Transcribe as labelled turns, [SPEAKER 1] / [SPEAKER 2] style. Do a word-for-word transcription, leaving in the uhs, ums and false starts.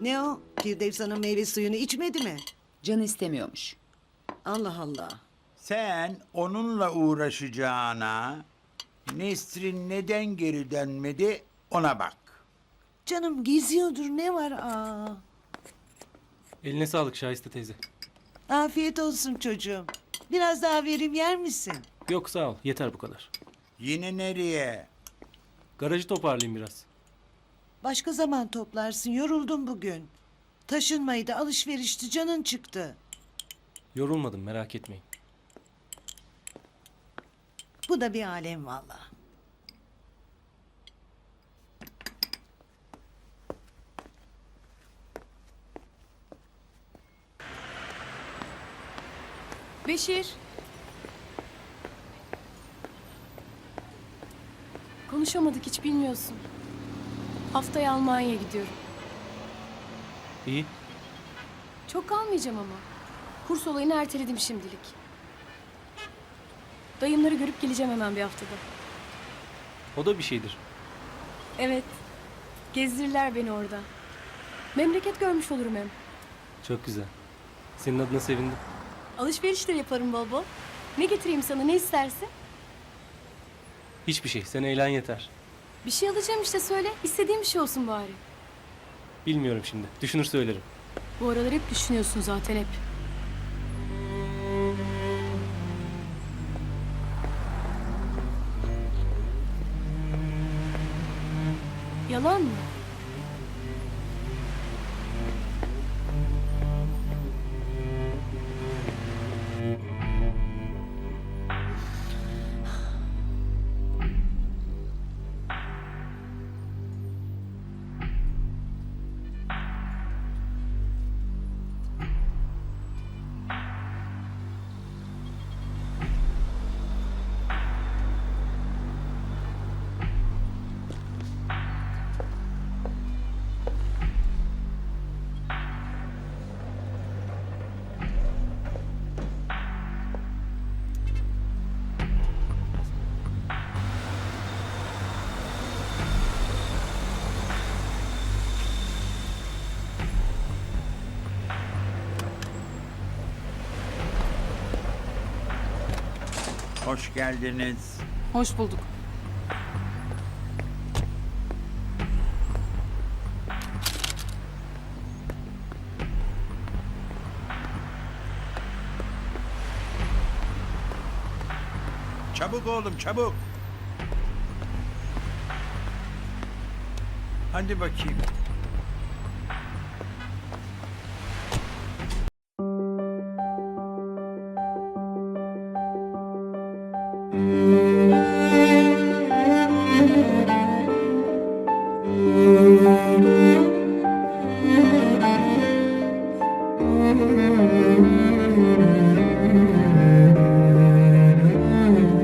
[SPEAKER 1] Ne o? Firdevs Hanım meyve suyunu içmedi mi?
[SPEAKER 2] Canı istemiyormuş.
[SPEAKER 1] Allah Allah.
[SPEAKER 3] Sen onunla uğraşacağına Nesrin neden geri dönmedi ona bak.
[SPEAKER 1] Canım geziyordur ne var aa.
[SPEAKER 4] Eline sağlık Şahiste teyze.
[SPEAKER 1] Afiyet olsun çocuğum. Biraz daha vereyim yer misin?
[SPEAKER 4] Yok sağ ol yeter bu kadar.
[SPEAKER 3] Yine nereye?
[SPEAKER 4] Garajı toparlayayım biraz.
[SPEAKER 1] Başka zaman toplarsın yoruldum bugün. Taşınmaydı alışverişti canın çıktı.
[SPEAKER 4] Yorulmadım merak etmeyin.
[SPEAKER 1] Bu da bir alem valla.
[SPEAKER 5] Beşir. Konuşamadık hiç bilmiyorsun. Haftaya Almanya'ya gidiyorum.
[SPEAKER 4] İyi.
[SPEAKER 5] Çok kalmayacağım ama. Kurs olayını erteledim şimdilik. Dayımları görüp geleceğim hemen bir haftada.
[SPEAKER 4] O da bir şeydir.
[SPEAKER 5] Evet. Gezdirirler beni orada. Memleket görmüş olurum hem.
[SPEAKER 4] Çok güzel. Senin adına sevindim.
[SPEAKER 5] Alışveriş de yaparım bol bol. Ne getireyim sana ne istersin?
[SPEAKER 4] Hiçbir şey. Sen eğlen yeter.
[SPEAKER 5] Bir şey alacağım işte söyle. İstediğim bir şey olsun bari.
[SPEAKER 4] Bilmiyorum şimdi. Düşünür söylerim.
[SPEAKER 5] Bu aralar hep düşünüyorsun zaten hep. Yalan mı?
[SPEAKER 3] Hoş geldiniz.
[SPEAKER 5] Hoş bulduk.
[SPEAKER 3] Çabuk oğlum çabuk. Hadi bakayım.